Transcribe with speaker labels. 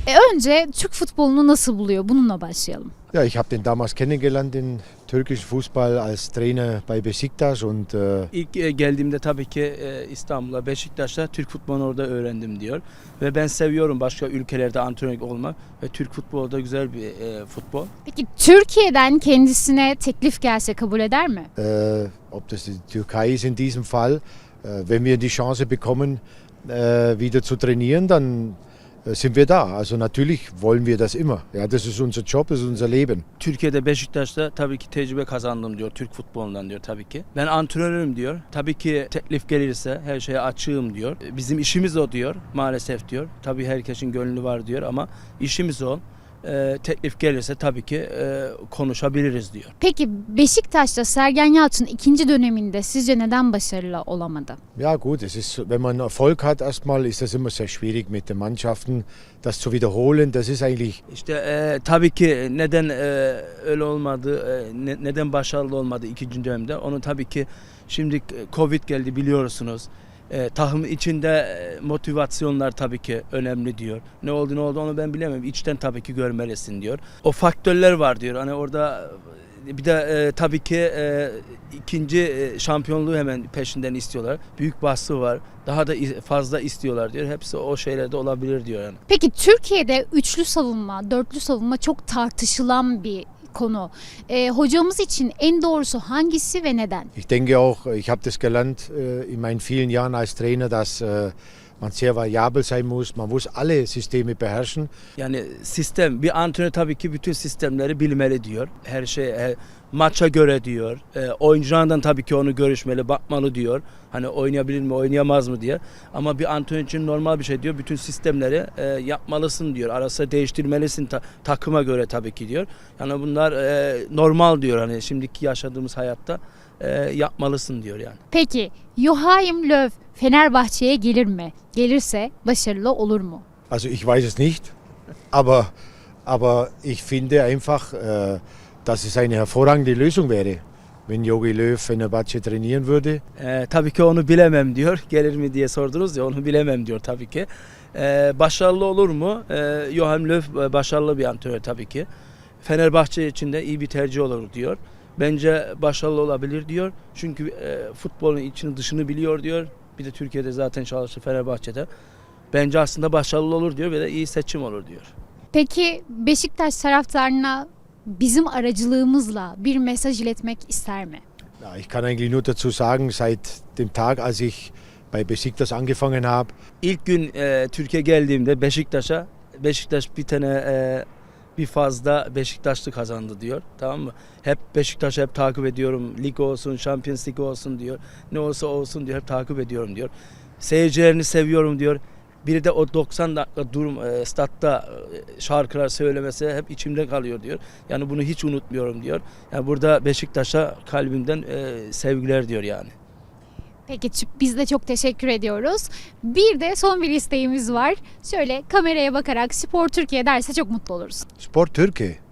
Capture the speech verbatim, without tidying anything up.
Speaker 1: E, önce Türk futbolunu nasıl buluyor? Bununla başlayalım.
Speaker 2: Ja, ich habe den damals kennengelernt, den türkischen Fußball, als Trainer bei Besiktas und äh,
Speaker 3: İlk e, geldiğimde tabii ki e, İstanbul'a, Beşiktaş'ta Türk futbolunu orada öğrendim diyor. Ve ben seviyorum başka ülkelerde antrenör olmak ve Türk futbolu da güzel bir e, futbol.
Speaker 1: Peki Türkiye'den kendisine teklif gelse kabul eder mi?
Speaker 2: äh, ob das die Türkei ist in diesem Fall, äh, wenn wir die Chance bekommen, äh, wieder zu trainieren, dann äh, sind wir da. Also natürlich wollen wir das immer. Ja, das ist unser Job, das ist unser Leben.
Speaker 3: Türkiye'de Beşiktaş'ta tabii ki tecrübe kazandım diyor Türk futbolundan diyor tabii ki. Ben antrenörüm diyor. Tabii ki teklif gelirse her şeye açığım diyor. Bizim işimiz o diyor maalesef diyor. Tabii herkesin gönlü var diyor ama işimiz o. Ee, teklif gelirse tabii ki e, konuşabiliriz diyor.
Speaker 1: Peki Beşiktaş'ta Sergen Yalçın ikinci döneminde sizce neden başarılı olamadı?
Speaker 2: Ja gut, es ist, wenn man Erfolg hat erstmal, ist das immer sehr schwierig mit den Mannschaften, das zu wiederholen. Das ist eigentlich
Speaker 3: İşte e, tabii ki neden e, öyle olmadı, e, ne, neden başarılı olmadı ikinci dönemde onu tabii ki şimdi Covid geldi biliyorsunuz. E, takım içinde e, motivasyonlar tabii ki önemli diyor. Ne oldu ne oldu onu ben bilemem. İçten tabii ki görmelisin diyor. O faktörler var diyor. Hani orada bir de e, tabii ki e, ikinci e, şampiyonluğu hemen peşinden istiyorlar. Büyük baskı var. Daha da fazla istiyorlar diyor. Hepsi o şeylerde olabilir diyor yani.
Speaker 1: Peki Türkiye'de üçlü savunma, dörtlü savunma çok tartışılan bir konu. E, hocamız için en doğrusu hangisi ve neden?
Speaker 2: Ich denke auch, ich habe das gelernt äh, in meinen vielen Jahren als Trainer, dass äh, man sehr variabel sein muss. Man muss alle Systeme beherrschen.
Speaker 3: Yani sistem, bir antrenör tabii ki bütün sistemleri bilmeli diyor. Her şey e, maça göre diyor. E, oyunculardan tabii ki onu görüşmeli, bakmalı diyor. Hani oynayabilir mi, oynayamaz mı diye. Ama bir antrenör için normal bir şey diyor. Bütün sistemleri e, yapmalısın diyor. Arası değiştirmelisin ta, takıma göre tabii ki diyor. Yani bunlar e, normal diyor. Hani şimdiki yaşadığımız hayatta e, yapmalısın diyor yani.
Speaker 1: Peki Joachim Löw Fenerbahçe'ye gelir mi? Gelirse başarılı olur mu?
Speaker 2: Also ich weiß es nicht, aber, aber ich finde einfach, äh, dass es eine hervorragende Lösung wäre, wenn Jogi Löw Fenerbahçe trainieren würde.
Speaker 3: Ee, tabii ki onu bilemem diyor. Gelir mi diye sordunuz ya onu bilemem diyor tabii ki. Ee, başarılı olur mu? Ee, Joachim Löw başarılı bir antrenör tabii ki. Fenerbahçe için de iyi bir tercih olur diyor. Bence başarılı olabilir diyor. Çünkü e, futbolun içini dışını biliyor diyor. Bir de Türkiye'de zaten çalıştı Fenerbahçe'de. Bence aslında başarılı olur diyor ve de iyi seçim olur diyor.
Speaker 1: Peki Beşiktaş taraftarına bizim aracılığımızla bir mesaj iletmek ister mi?
Speaker 2: Ja, ich kann eigentlich nur dazu sagen, seit dem Tag, als ich bei Besiktas angefangen habe,
Speaker 3: İlk gün e, Türkiye geldiğimde Beşiktaş'a Beşiktaş bir tane e, bir fazla Beşiktaşlı kazandı diyor. Tamam mı? Hep Beşiktaş'ı hep takip ediyorum. Lig olsun, Champions League olsun diyor. Ne olsa olsun diyor. Hep takip ediyorum diyor. Seyircilerini seviyorum diyor. Biri de o doksan dakika durum e, statta e, şarkılar söylemesi hep içimde kalıyor diyor. Yani bunu hiç unutmuyorum diyor. Yani burada Beşiktaş'a kalbimden e, sevgiler diyor yani.
Speaker 1: Peki biz de çok teşekkür ediyoruz. Bir de son bir isteğimiz var. Şöyle kameraya bakarak Spor Türkiye derse çok mutlu oluruz.
Speaker 2: Sport Türkiye.